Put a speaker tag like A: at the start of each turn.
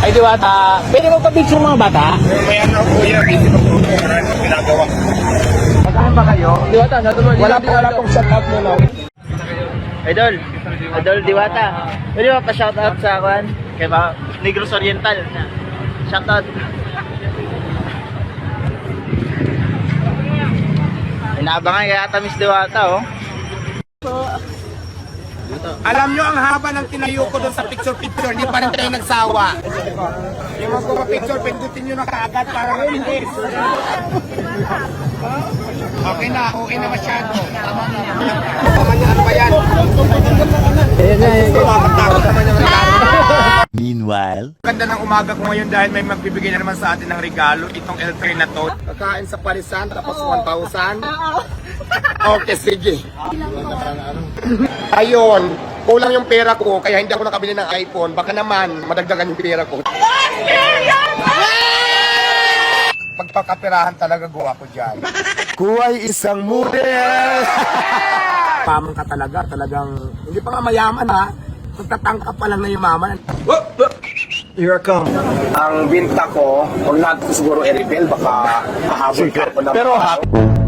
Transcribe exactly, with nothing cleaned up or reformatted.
A: Ay, Diwata, pwede mo pa-picture mga bata?
B: May ano po yan, busy pa po ito. Maraming ginagawa.
A: Magkain ba kayo?
C: Diwata, sa tumal.
A: Wala po, wala pong shout out mo na.
C: Idol. Idol Diwata. Pwede ba pa-shoutout sa akin? Kaya ba? Negros Oriental. Shoutout. Inaabangan kaya ata Miss Diwata, oh.
B: Alam nyo, ang haba ng tinayo ko doon sa picture-picture, hindi pa rin tayo nagsawa. Yung mga picture, pindutin nyo na kaagad para mabilis. Okay na, okay na masyado. Tama na. Tama niya, ano ba yan? Takot naman yung regalo.
D: Meanwhile,
B: Ganda ng umaga ko ngayon dahil may magbibigay na naman sa atin ng regalo, itong L three na to. Kakain sa parisan, tapos one thousand. Okay, sige. Ayun, kulang yung pera ko, kaya hindi ako nakabili ng iPhone. Baka naman, madagdagan yung pera ko. Pagpakapirahan talaga gawa ko dyan.
D: kuway isang model!
B: Pamang ka talaga, talagang, hindi pa nga mayaman ha. Pagtatangka pa lang na yumaman.
D: Here I come.
B: Ang binta ko, huwag natin siguro i-reveal, baka mahabol ka ako ng...
D: Pero ha,